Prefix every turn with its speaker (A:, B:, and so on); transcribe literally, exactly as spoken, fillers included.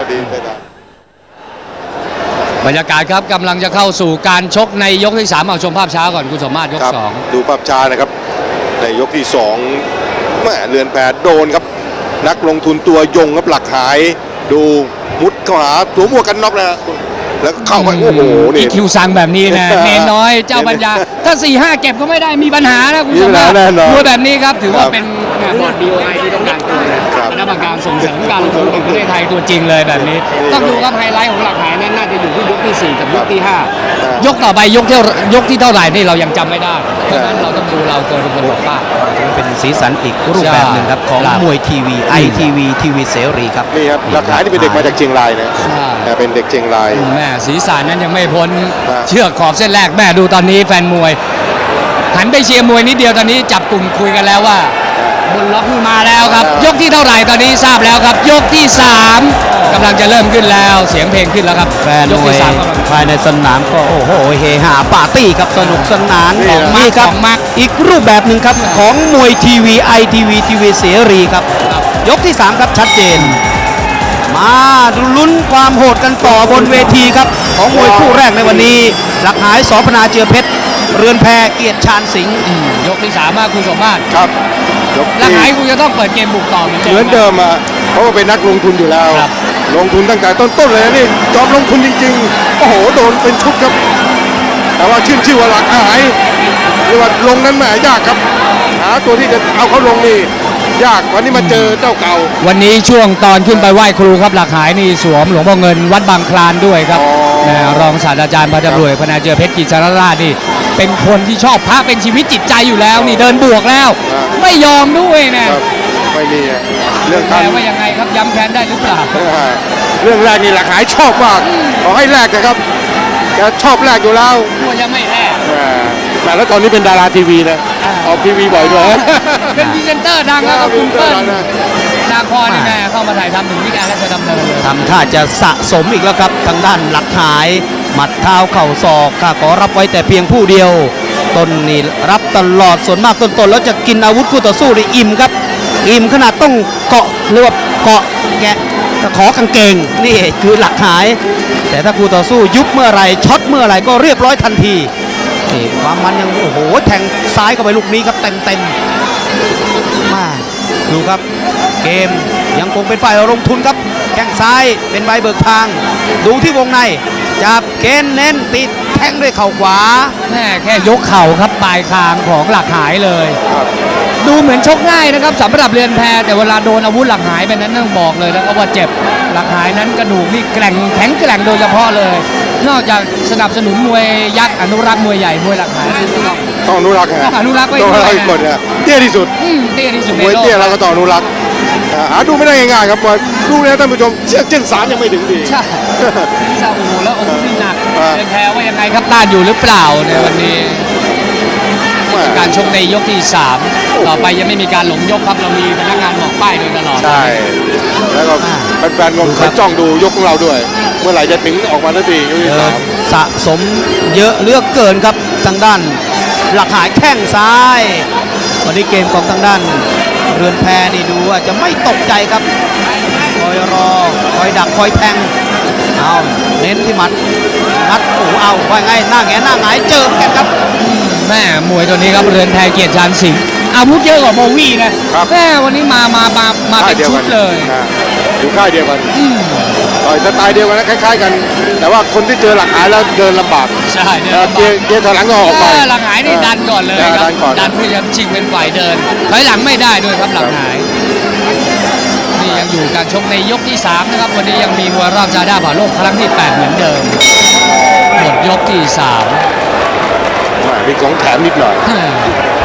A: ดีได้ได้
B: บรรยากาศครับกำลังจะเข้าสู่การชกในยกที่สามเอาชมภาพช้าก่อนคุณสมมาตรยกสอง
A: ดูภาพช้านะครับในยกที่สองแม่เรือนแพโดนครับนักลงทุนตัวยงครับหลักหายดูมุดเข้าหาสวมหมวกกันน็อกนะแล้วก็เข้าไปโอ้โหนี่
B: คิวซังแบบนี้นะเนนน้อยเจ้าปัญญาถ้าสี่ห้าเก็บก็ไม่ได้มีปัญหานะคุณสมมาตรมวยแบบนี้ครับถือว่าเป็นบอร์ด บี โอ ไอ ที่ต้องการตัวคณะกรรมการส่งเสริมการลงทุนแห่งประเทศไทยตัวจริงเลยแบบนี้ต้องดูครับไฮไลท์ของหลักหายนั้นน่าจะอยู่ที่ยกที่สี่กับยกที่ห้ายกต่อไปยกที่ยกที่เท่าไหร่นี่เรายังจำไม่ได้เพราะฉะนั้นเราต้องดูเราเกินเป็นบอกว่า
C: เป็นสีสันอีกรูปแบบหนึ่งครับของมวยทีวีไอทีวีทีวีเสรีครับ
A: นี่ครับหลักหายนี่เป็นเด็กมาจากเชียงรายนะแต่เป็นเด็กเชียงราย
B: แม่สีสันนั้นยังไม่พ้นเชือกขอบเส้นแรกแม่ดูตอนนี้แฟนมวยหันไปเชียร์มวยนิดเดียวตอนนี้จับกลุ่มคุยกันแล้วว่าบนล็อกมาแล้วครับยกที่เท่าไหร่ตอนนี้ทราบแล้วครับยกที่สามกำลังจะเริ่มขึ้นแล้วเสียงเพลงขึ้นแล้วครับ
C: แฟนมวยภายในสนามก็โอ้โหเฮฮาปาร์ตี้ครับสนุกสนานของมากครับอีกรูปแบบหนึ่งครับของมวยทีวีไอทีวีทีวีเสรีครับยกที่สามครับชัดเจนมาลุ้นความโหดกันต่อบนเวทีครับของมวยคู่แรกในวันนี้หลักหายสพนาเจือเพชรเรือนแพเกียรติชาญสิงห์
B: ยกที่สามมาคุณสมมาตร
A: ครับ
B: หลักหายคุณจะต้องเปิดเกมบุกต่อเหมือนเดิม
A: เหมือนเดิมอ่ะเพราะว่าเป็นนักลงทุนอยู่แล้วลงทุนตั้งแต่ต้นๆเลยนี่จอมลงทุนจริงๆโอ้โหโดนเป็นชุดครับแต่ว่าชื่นชื่อว่าหลักหายหรือว่าลงนั้นแหมยากครับหาตัวที่จะเอาเขาลงนี่ยากวันนี้มาเจอเจ้าเก่า
B: วันนี้ช่วงตอนขึ้นไปไหว้ครูครับหลักหายนี่สวมหลวงพ่อเงินวัดบางคลานด้วยครับรองศาสตราจารย์พันตำรวจพนาเจือเพชรกิจสารราชนี่เป็นคนที่ชอบพระเป็นชีวิตจิตใจอยู่แล้วนี่เดินบวกแล้วไม่ยอมด้วยนะ
A: ไม่มี
B: เรื่องการว่ายังไงครับย้ำแค้นได้หรือเปล่า
A: เรื่องแรกนี่หลักหายชอบมากขอให้แลกนะครับแกชอบแลกอยู่แล้ว
B: ตัวยังไม่แลก
A: แต่แล้วตอนนี้เป็นดาราทีวีนะออกทีวีบ่อยด้วย
B: เป็นพรีเซนเตอร์ดังแล้วก็คุณเปิ้ลนาครนี่แม่เข้ามาถ่ายทำถึงที่การราชดำเนิน
C: ทำท่าจะสะสมอีกแล้วครับทางด้านหลักหายหมัดเท้าเข่าศอกข้าขอรับไว้แต่เพียงผู้เดียวต้นนี่รับตลอดส่วนมากต้นๆแล้วจะกินอาวุธคู่ต่อสู้ได้อิ่มครับอิ่มขนาดต้องเกาะหรือว่าเกาะแกะขอกางเกงนี่คือหลักหายแต่ถ้าคู่ต่อสู้ยุบเมื่อไรช็อตเมื่อไรก็เรียบร้อยทันทีนี่ความมันยังโอ้โหแทงซ้ายเข้าไปลูกนี้ครับเต็มเต็มมาดูครับเกมยังคงเป็นฝ่ายลงทุนครับแข้งซ้ายเป็นใบเบิกทางดูที่วงในจับเค้นเน้นติดแทงด้วยเข่าขวา
B: แม่แค่ยกเข่าครับปลายคางของหลักหายเลยดูเหมือนชกง่ายนะครับสำหรับเรือนแพแต่เวลาโดนอาวุธหลักหายไปนั้นต้องบอกเลยนะครับว่าเจ็บหลักหายนั้นกระดูกนี่แกร่งแข็งแกร่งโดยเฉพาะเลยนอกจากสนับสนุนมวยยักษ์อนุรักษ์มวยใหญ่มวยหลักหาย
A: ต้องอนุรักษ์
B: ต้องอนุรักษ์ไว้
A: ต้องอนุรักษ์ก่อนนะเตี้ยที่สุด
B: เตี้ยที่สุด
A: มวยเตี้ยเราก็ต้องอนุรักษ์หาดูไม่ได้ง่ายๆครับดูแล้วท่านผู้ชมเชือกเส้นสามยังไม่ถึงดี
B: ใช่ที่ซาอูแล้วโอ้โหนี่หนักเป็นแพ้ว่ายังไงครับต้านอยู่หรือเปล่าในวันนี้การชกในยกที่สามต่อไปยังไม่มีการหลงยกครับเรามีพนักงานบอกป้ายโดยตลอด
A: ใช่แล้วก็แฟนๆงเขาจ้องดูยกของเราด้วยเมื่อไหร่จะถึงออกมาทันทียกที่สาม
C: สะสมเยอะเลือกเกินครับทางด้านหลักหายแข้งซ้ายวันนี้เกมของทางด้านเรือนแพนี่ดูว่าจะไม่ตกใจครับคอยรอคอยดักคอยแทงเอาเน้นที่หมัดมัดโอ้เอาว่าไงหน้าแงหน้าหงายเจอกันครับ
B: แม่มวยตัวนี้ครับเรือนแพเกียรติชาญสิงห์อาวุธเยอะกว่าโบวี่นะแม่วันนี้มามามามาเป็นชุดเลย
A: อยู่ค่ายเดียวกันต่อยสไตล์เดียวกันนะคล้ายๆกันแต่ว่าคนที่เจอหลักหายแล้วเดินลำบาก
B: ใช่
A: เกียร์เกียร์ถอยหลังก็ออกไป
B: หลักหายนี่ดันก่อนเลยครับดันเพื่อจะชิงเป็นฝ่ายเดินถอยหลังไม่ได้ด้วยครับหลักหายนี่ยังอยู่การชกในยกที่สามนะครับวันนี้ยังมีมวยรอบจาด้าผ่าโลกครั้งที่แปดเหมือนเดิมหมดยกที่สาม
A: มีของแถมนิดหน่อย